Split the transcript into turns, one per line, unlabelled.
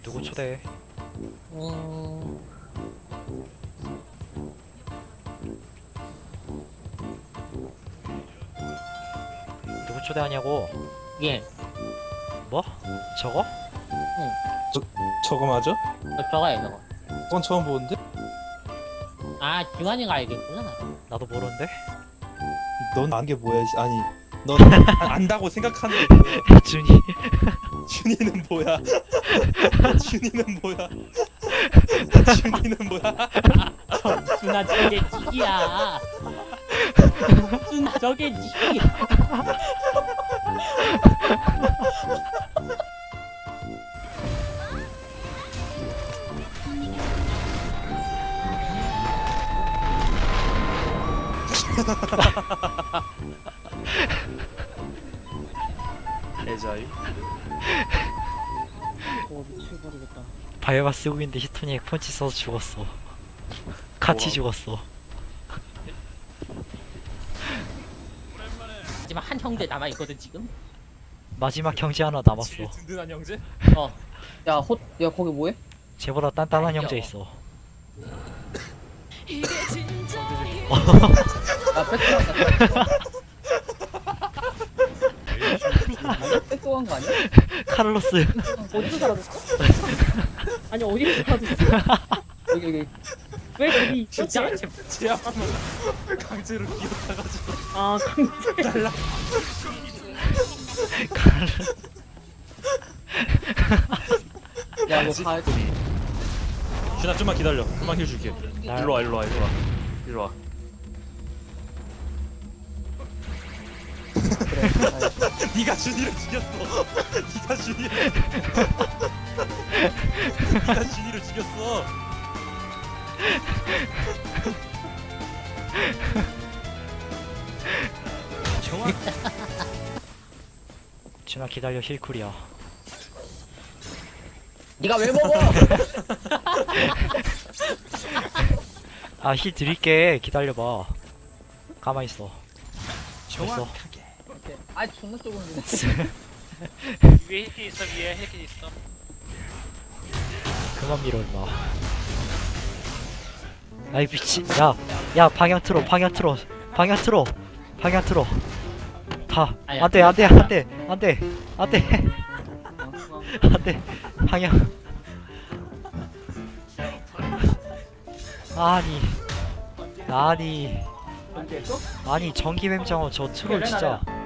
누구 초대해? 누구 초대하냐고?
예.
뭐? 저거?
저거 맞아?
저거야 저거.
그건 처음 보는데?
아 중환이가 알겠구나.
나도 모르는데?
넌 안 게 뭐야? 아니, 넌 안다고 생각하는데
준이.
준이는 뭐야? 준이는 뭐야? 준이는 뭐야?
준아 저게 지기야. 준아 저게 지기.
애자유?
오 미쳐버리겠다.
바이오마 쓰고 있는데 히토니 펀치 써서 죽었어. 같이
우와.
죽었어.
하지만 한 형제 남아 있거든 지금.
마지막 형제 하나 남았어.
든든한 형제?
어.
야 거기 뭐해?
쟤보다 단단한
아니요.
형제 있어.
야 백도한다. 백도한 거 아니야?
카를로스.
어디서 사라졌어?
아니 어디서 사줬어?
여기
왜 거기 있어?
진짜?
제 앞으로 강제로 기어타가지고
아 강제.
달라.
야너 다
준아 좀만 기다려. 금방 힐 줄게.
날-
일로 와, 일로 와, 일로 와. 일로 와.
그래.
네가 준이를 죽였어. 네가 준이를. 네가 준이를 죽였어.
준아 기다려 힐쿨이야.
네가 왜 먹어?
아 힐 드릴게. 기다려봐. 가만 있어. 됐어.
아 존나 좁은데.
위에 힐킷 있어 위에 힐킷 있어
그만 밀어 임마. 아이 미친. 야 방향 틀어. 방향 틀어. 방향 틀어. 방향 틀어. 다.
아니야.
안돼 안돼 안돼 안돼 안돼 안돼 방향. 아니 전기뱀장어 저 트롤 진짜